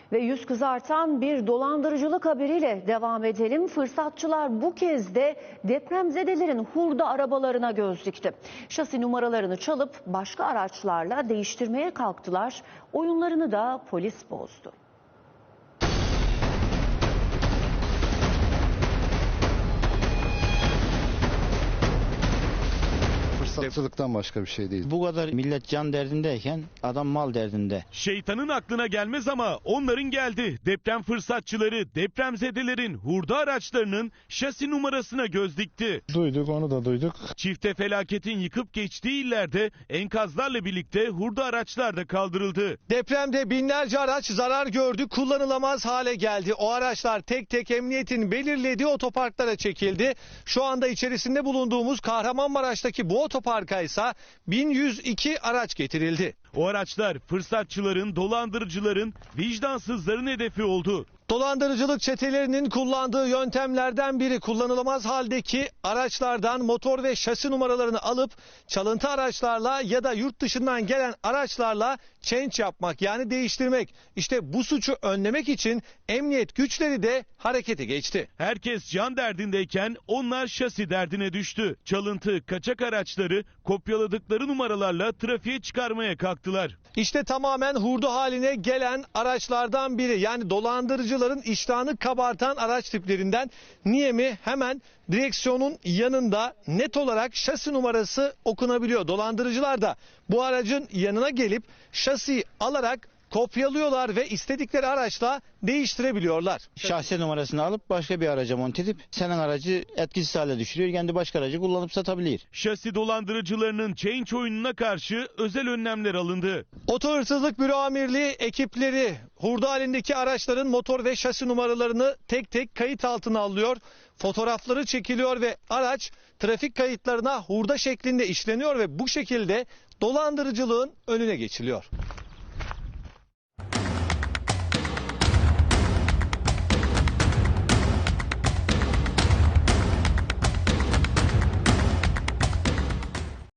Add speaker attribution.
Speaker 1: Ve yüz kızartan bir dolandırıcılık haberiyle devam edelim. Fırsatçılar bu kez de depremzedelerin hurda arabalarına göz dikti. Şasi numaralarını çalıp başka araçlarla değiştirmeye kalktılar. Oyunlarını da polis bozdu.
Speaker 2: Fırsatçılıktan başka bir şey değil.
Speaker 3: Bu kadar millet can derdindeyken adam mal derdinde.
Speaker 4: Şeytanın aklına gelmez ama onların geldi. Deprem fırsatçıları depremzedelerin hurda araçlarının şasi numarasına göz dikti.
Speaker 2: Duyduk, onu da duyduk.
Speaker 4: Çifte felaketin yıkıp geçtiği illerde enkazlarla birlikte hurda araçlar da kaldırıldı.
Speaker 5: Depremde binlerce araç zarar gördü, kullanılamaz hale geldi. O araçlar tek tek emniyetin belirlediği otoparklara çekildi. Şu anda içerisinde bulunduğumuz Kahramanmaraş'taki bu otoparka ise 1102 araç getirildi.
Speaker 4: O araçlar fırsatçıların, dolandırıcıların, vicdansızların hedefi oldu.
Speaker 5: Dolandırıcılık çetelerinin kullandığı yöntemlerden biri kullanılamaz haldeki araçlardan motor ve şasi numaralarını alıp çalıntı araçlarla ya da yurt dışından gelen araçlarla change yapmak, yani değiştirmek. İşte bu suçu önlemek için emniyet güçleri de harekete geçti.
Speaker 4: Herkes can derdindeyken onlar şasi derdine düştü. Çalıntı, kaçak araçları kopyaladıkları numaralarla trafiğe çıkarmaya kalktılar.
Speaker 5: İşte tamamen hurda haline gelen araçlardan biri, yani dolandırıcıların iştahını kabartan araç tiplerinden. Niye mi? Hemen direksiyonun yanında net olarak şasi numarası okunabiliyor. Dolandırıcılar da bu aracın yanına gelip şasiyi alarak kopyalıyorlar ve istedikleri araçla değiştirebiliyorlar.
Speaker 3: Şahsi numarasını alıp başka bir araca monte edip senin aracı etkisiz hale düşürüyor. Kendi başka aracı kullanıp satabilir.
Speaker 4: Şasi dolandırıcılarının change oyununa karşı özel önlemler alındı.
Speaker 5: Oto Hırsızlık Büro Amirliği ekipleri hurda halindeki araçların motor ve şasi numaralarını tek tek kayıt altına alıyor. Fotoğrafları çekiliyor ve araç trafik kayıtlarına hurda şeklinde işleniyor ve bu şekilde dolandırıcılığın önüne geçiliyor.